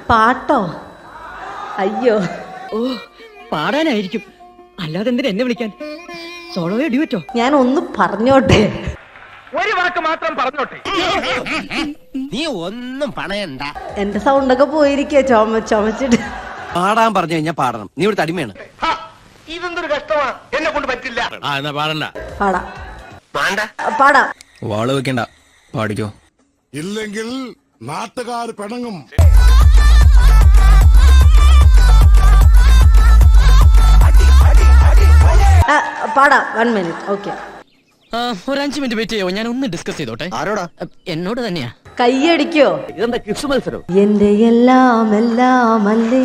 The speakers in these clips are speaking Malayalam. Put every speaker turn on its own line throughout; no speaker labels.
പാട്ടോ? അയ്യോ,
ഓ പാടാനായിരിക്കും, അല്ലാതെ എന്തിനാ എന്നെ വിളിക്കാൻ? സോളോയോ ഡ്യൂറ്റോ?
ഞാൻ ഒന്ന് പറഞ്ഞോട്ടെ.
ഒരു വാക്ക് മാത്രം പറഞ്ഞോട്ടെ.
നീ ഒന്നും പണയണ്ട.
എന്റെ സൗണ്ടൊക്കെ പോയിരിക്കേ ചുമച്ചിട്ട്.
പാടാൻ പറഞ്ഞു കഴിഞ്ഞാൽ പാടണം. നീ ഇവിടെ തടിമയാണ്.
ഇതെന്തൊരു കഷ്ടമാ, എന്നെ കൊണ്ട് പറ്റില്ല.
എന്നാ പാടണ്ട.
പാടാം
വേണ്ട.
പാടാം.
വാള് വെക്കണ്ട, പാടിക്കോ.
ഇല്ലെങ്കിൽ നാട്ടുകാർ പിണങ്ങും.
പാടാം, 1 minute. ഓക്കെ,
ഒരു 5 മിനിറ്റ് വെയിറ്റ് ചെയ്യോ, ഞാൻ ഒന്ന് ഡിസ്കസ് ചെയ്തോട്ടെ.
ആരോടാ?
എന്നോട് തന്നെയാ.
കൈയടിക്കോ?
ഇതെന്താ ക്വിസ് മത്സരം?
എന്റെ എല്ലാം അല്ലേ,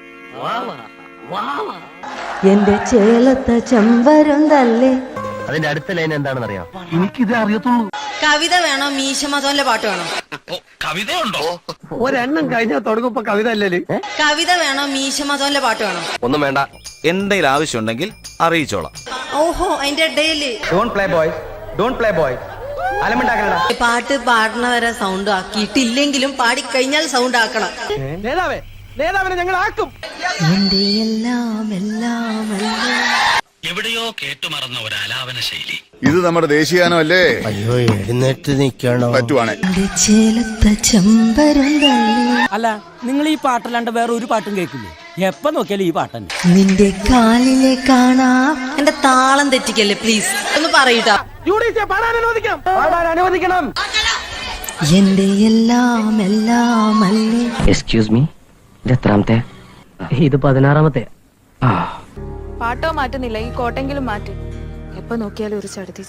എന്റെ ചേലത്തെ ചെമ്പരം തല്ലേ.
അതിന്റെ അടുത്ത ലൈൻ എന്താണെന്ന് അറിയാം? എനിക്കിത് അറിയത്തുള്ളൂ.
കവിത വേണോ മീശ മധുവിന്റെ പാട്ട് വേണോ?
കവിതയുണ്ടോ? ഒരെണ്ണം കഴിഞ്ഞാൽ തുടങ്ങുമ്പോ കവിത അല്ലേ?
കവിത വേണോ മീശ മധുവിന്റെ പാട്ട് വേണോ?
ഒന്നും വേണ്ട, എന്തെങ്കിലും ആവശ്യമുണ്ടെങ്കിൽ അറിയിച്ചോളാം.
ഓഹോ, അതിന്റെ ഇടയില്
don't play boy, don't play boy. അലമുണ്ടാക്കലടാ.
പാട്ട് പാടണവരെ സൗണ്ട് ആക്കിയിട്ടില്ലെങ്കിലും പാടിക്കഴിഞ്ഞാൽ സൗണ്ട് ആക്കണം.
നേതാവിനെ ഞങ്ങൾ ആക്കും.
എന്റെ എല്ലാം അല്ലേ.
എവിടെയോ കേട്ടുമറന്ന ഒരു ആലാപന ശൈലി.
ഇത് നമ്മുടെ ദേശീയാനം അല്ലേ?
അയ്യോ, എഴുന്നേറ്റ് നിൽക്കണോ?
പറ്റുവാണേ.
എന്റെ ചേലത്തെ ചെമ്പരം തല്ലേ.
അല്ല, നിങ്ങൾ ഈ പാട്ടല്ലാണ്ട് വേറെ ഒരു പാട്ടും കേൾക്കില്ലേ? എപ്പ നോക്കിയാലും ഈ പാട്ട് തന്നെ.
നിന്റെ കാലിലെ കാണാം.
എന്റെ താളം തെറ്റിക്കല്ലേ പ്ലീസ്, ഒന്ന് പറയൂട്ടാ.
പാടാൻ അനുവദിക്കണം.
എന്റെ എല്ലാം അല്ലേ.
എക്സ്ക്യൂസ് മീ, ഇത് എത്രാമത്തെ? ഇത് 16ാമത്തെ.
പാട്ടോ മാറ്റുന്നില്ല, ഈ കോട്ടെങ്കിലും മാറ്റി. എപ്പോ നോക്കിയാലും ഒരു ചടുതി.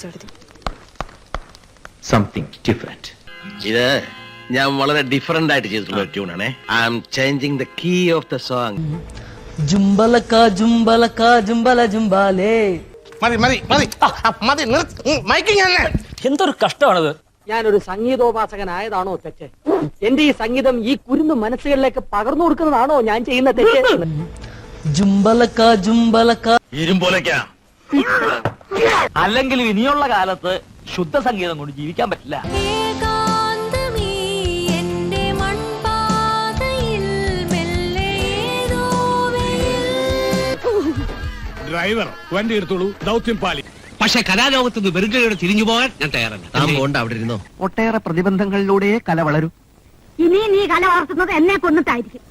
Something different. ഇത് ഞാൻ വളരെ ഡിഫറെന്റ് ആയിട്ട് ചെയ്തിട്ടുള്ള ഒരു ട്യൂണാണേ. I am changing the key of the song.
ജുംബലക്ക ജുംബലക്ക ജുംബല ജുംബാലേ. എന്തൊരു കഷ്ടമാണത്. ഞാനൊരു സംഗീതോപാസകനായതാണോ തെറ്റ്? എന്റെ ഈ സംഗീതം ഈ കുരുന്ന് മനസ്സുകളിലേക്ക് പകർന്നു കൊടുക്കുന്നതാണോ ഞാൻ ചെയ്യുന്ന തെറ്റ്? ജുംബലക്ക ജുംബലക്ക
ഇരുമ്പോലേക്കാ.
അല്ലെങ്കിൽ ഇനിയുള്ള കാലത്ത് ശുദ്ധ സംഗീതം കൊണ്ട് ജീവിക്കാൻ പറ്റില്ല.
ഡ്രൈവർ വണ്ടി എടുത്തോളൂ, ദൗത്യം പാലി.
പക്ഷെ കലാലോകത്ത് നിന്ന് വെറുതെ തിരിഞ്ഞു പോകാൻ ഞാൻ തയ്യാറല്ല.
താൻ പോണ്ട, അവിടെ ഇരുന്നോ.
ഒട്ടേറെ പ്രതിബന്ധങ്ങളിലൂടെ കല വളരും.
ഇനി നീ കല വളർത്തുന്നത് എന്നെ കൊന്നിട്ടായിരിക്കും.